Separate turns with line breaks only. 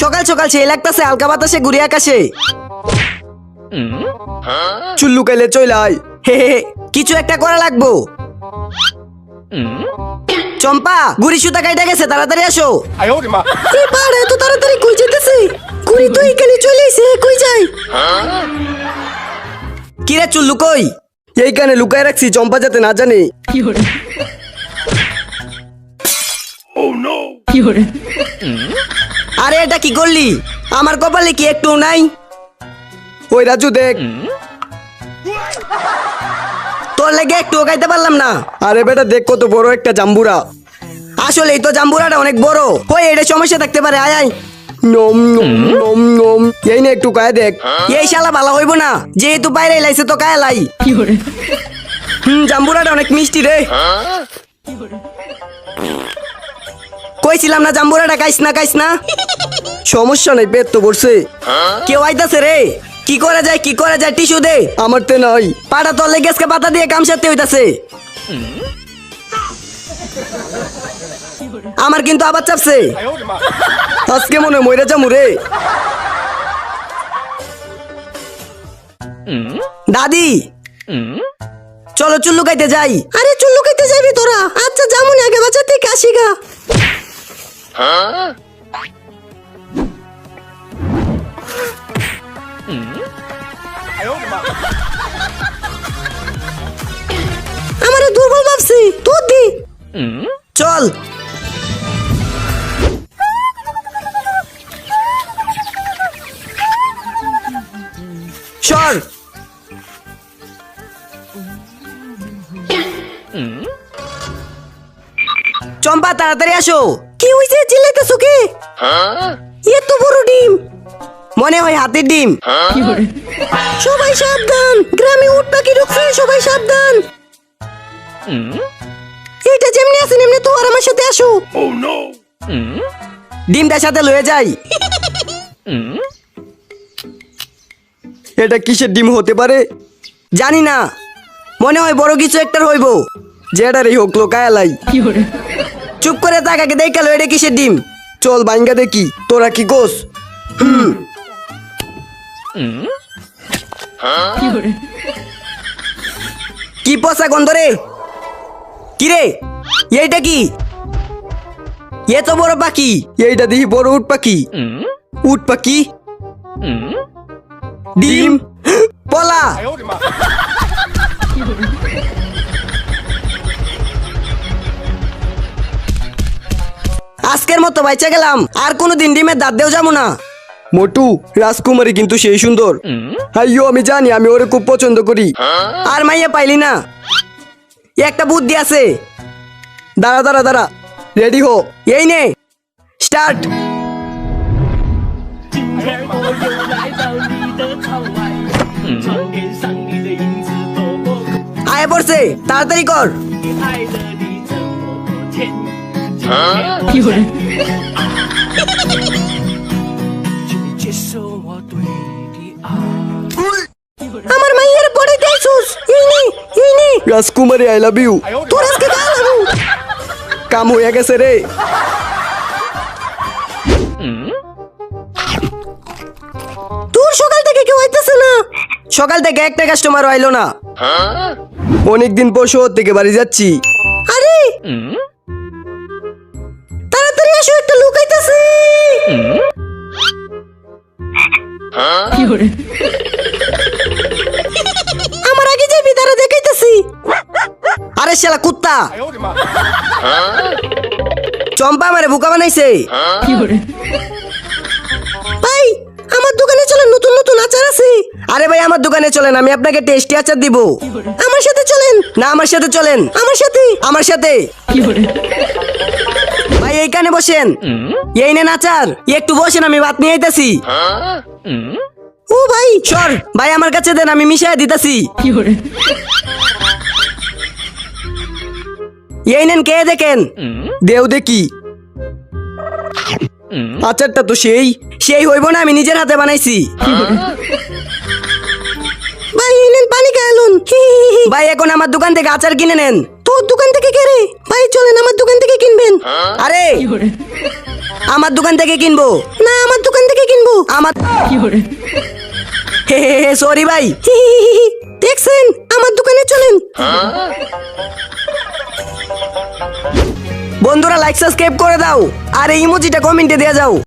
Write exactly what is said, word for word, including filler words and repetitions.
সকাল সকাল সেই লাগতাছে হালকা বাতাসে ঘুরে আকাশে।
চুল্লু কাইলে চইলাই।
হে হে, কিছু একটা করা লাগবো। চম্পা গুড়ি সুতা কাইটা গেছে, তাড়াতাড়ি আসো।
এবার এত তাড়াতাড়ি কই যেতেছে? গুড়ি তো এখানে চলে এসে কই যাই?
কিরে চুল্লু কই?
এইখানে লুকায় রাখছি, চম্পা যাতে না জানে।
আরে এটা কি করলি? আমার কপালে কি একটু নাই?
ওই রাজু দেখ।
তোর লেগে একটু গাইতে পারলাম না।
আরে বেটা দেখ কত বড় একটা জাম্বুরা।
আসলেই তো জাম্বুরাটা অনেক বড়। ওই এটা সমস্যা থাকতে পারে, আয় আয়।
নম নম নম নম। এই নে একটু কায় দেখ।
এই শালা ভালো হইব না, যেহেতু বাইরে লাইছে তো কায় লাই। হুম, জাম্বুরাটা অনেক মিষ্টি রে। কইছিলাম না জাম্বুরাটা কাইস না কাইস না।
সমস্যা নাই, পেট তো ভরছে।
কেউ আইতাছে রে। কি করা যায় কি করা যায়, টিস্যু দে।
আমার তে নাই।
পাটা তলে গেছকে পাতা দিয়ে কামসাতে হইতাছে। আমার কিন্তু আবার চাপছে।
আজকে মনে হয় মইরা যামু রে।
দাদি চলো চুল্লু খাইতে যাই।
আরে চুল্লু খাইতে যাবি তোরা? আচ্ছা জামুন, আগে বাজার থেকে আসি গা। আমারে দুর্বল ভাবছি, দুধ দি।
চল। সর। চম্পা তাড়াতাড়ি আসো।
কি হইছে? চিল্লাইতেছো কে? এত বড় ডিম।
মনে হয় হাতির ডিম।
সবাই সাবধান, গ্রামে উট পাখি ঢুকছে, সবাই সাবধান। এটা যেমনি আছে এমনি তো আর আমার সাথে আসো।
ডিমটার সাথে লয়ে যাই।
এটা কিসের ডিম হতে পারে?
জানি না, মনে হয় বড় কিছু একটার হইব।
যেটারই হোক লোকায় লাই।
চুপ করে তাকাকে দেখালো এটা কিসের ডিম।
চল বাইঙ্গা দেখি, তোরা কি কোস?
কি পচা গন্ধ রে। কি রে এইটা কি? এ তো বড় পাখি।
এইটা দেখি বড় উট পাখি। উট পাখি
ডিম পলা। আজকের মতো বাইচা গেলাম, আর কোনোদিন ডিমের দাঁত দেও যাবো না।
মোটু রাজকুমারী কিন্তু সেই সুন্দর। হাইয়ো আমি জানি, আমি ওরে খুব পছন্দ করি।
আর মাইয়া পাইলি না? একটা বুদ্ধি আছে।
দাঁড়া দাঁড়া দাঁড়া, রেডি হো।
এই নে স্টার্ট। আয় পড়ছে, তাড়াতাড়ি কর।
আমার মাইয়ের পড়ে দেইছুস। এই নে এই নে।
রাজকুমারী আই লাভ ইউ।
তোর আজকে গালাবো।
কাম হয়ে গেছে রে।
তোর সকাল থেকে কেউ আইতেছে না।
সকাল থেকে একটা কাস্টমার আইলো না।
অনেকদিন পর শহর থেকে বাড়ি যাচ্ছি।
আরে তাড়াতাড়ি আসো, একটা লোক আইতাছে। আমার আগে যাবি, তারা দেখাইতেছি।
আরে শালা কুত্তা। চম্পা আমারে বোকা বানাইছে।
ভাই আমার দোকানে চলেন, নতুন নতুন আচার আছে।
আরে ভাই আমার দোকানে চলেন, আমি আপনাকে টেস্টি আচার দিব।
আমার সাথে চলেন।
না আমার সাথে চলেন।
আমার সাথে।
আমার সাথে। ভাই এইখানে বসেন। এই নেন আচার, একটু বসেন, আমি ভাত নিয়ে আইতাছি।
ও ভাই
সর ভাই, আমার কাছে দেন, আমি মিশাই দিতাছি। এই নেন, কে দেখেন।
দেও দেখি। আচারটা তো সেই
সেই হইব না, আমি নিজের হাতে বানাইছি।
ভাই এই নেন পানি খাইলুন।
ভাই এখন আমার দোকান থেকে আচার কিনে নেন।
তোর দোকান থেকে কে রে? ভাই চলেন আমার দোকান থেকে কিনবেন।
আরে আমার দোকান থেকে কিনবো
না, আমার দোকান
আমার হে হে সরি ভাই।
হি, হি, হি, হি। দেখছেন আমার দোকানে চলেন।
বন্ধুরা লাইক সাবস্ক্রাইব করে দাও আর এই ইমোজিটা কমেন্টে দিয়ে যাও।